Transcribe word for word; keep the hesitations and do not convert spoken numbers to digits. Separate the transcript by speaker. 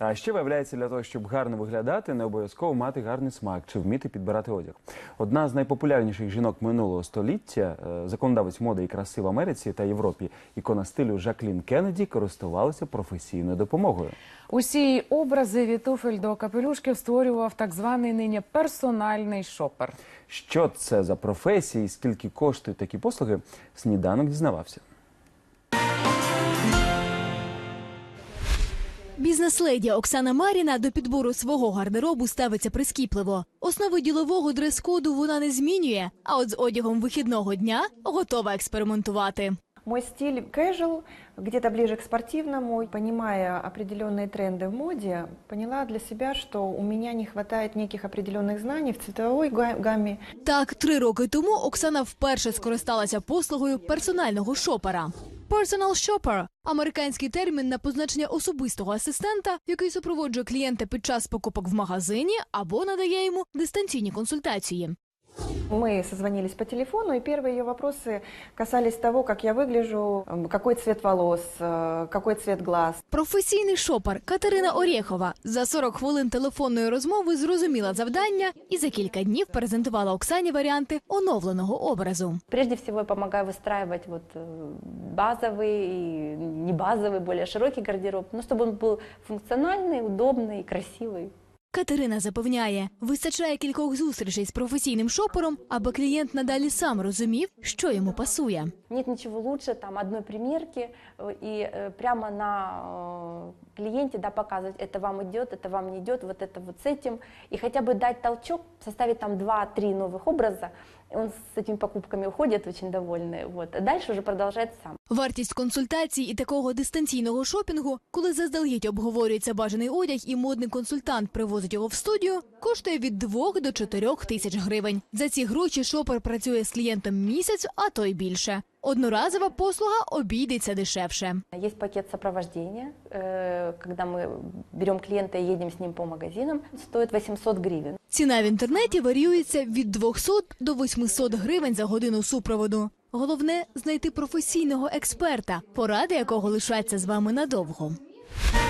Speaker 1: А ще, виявляється, для того, щоб гарно виглядати, не обов'язково мати гарний смак чи вміти підбирати одяг. Одна з найпопулярніших жінок минулого століття, законодавець моди і краси в Америці та Європі, ікона стилю Жаклін Кеннеді, користувалася професійною допомогою.
Speaker 2: Усі її образи від туфель до капелюшків створював так званий нині персональний шопер.
Speaker 1: Що це за професія і скільки коштують такі послуги, сніданок дізнавався.
Speaker 3: Бізнес-леді Оксана Маріна до підбору свого гардеробу ставиться прискіпливо. Основи ділового дрес-коду вона не змінює, а от з одягом вихідного дня готова експериментувати.
Speaker 4: Мой стиль casual, где-то ближе к спортивному. Понимая определенные тренды в моде, поняла для себя, что у меня не хватает неких определенных знаний в цветовой гамме.
Speaker 3: Так, три роки тому Оксана вперше скористалася послугою персонального шопера. Personal shopper – американський термін на позначення особистого асистента, який супроводжує клієнта під час покупок в магазині або надає йому дистанційні консультації.
Speaker 4: Мы созвонились по телефону, и первые ее вопросы касались того, как я выгляжу, какой цвет волос, какой цвет глаз.
Speaker 3: Професійний шопер Катерина Орєхова за сорок хвилин телефонної розмови зрозуміла завдання і за кілька днів презентувала Оксані варіанти оновленого образу.
Speaker 5: Прежде всего я помогаю выстраивать вот базовый и не базовый, более широкий гардероб, но чтобы он был функциональный, удобный и красивый.
Speaker 3: Катерина запевняє, вистачає кількох зустрічей з професійним шопером, аби клієнт надалі сам розумів, що йому пасує.
Speaker 5: Нет ничего лучше там одной примерки и прямо на клиенте, да, показывать, это вам идет, это вам не идет, вот это вот с этим. И хотя бы дать толчок, составить там два-три новых образа, он с этими покупками уходит очень довольный, вот, а дальше уже продолжает сам.
Speaker 3: Вартість консультацій і такого дистанційного шопінгу, коли заздалегідь обговорюється бажаний одяг і модний консультант привозить його в студію, коштує від двох до чотирьох тисяч гривень. За ці гроші шопер працює з клієнтом місяць, а то й більше. Одноразова послуга обійдеться дешевше.
Speaker 5: Есть пакет сопровождения, когда мы берем клиента и едем с ним по магазинам, стоит восемьсот гривен.
Speaker 3: Ціна в інтернеті варіюється від двохсот до восьмисот гривень за годину супроводу. Головне – знайти професійного експерта, поради якого лишаться з вами надовго.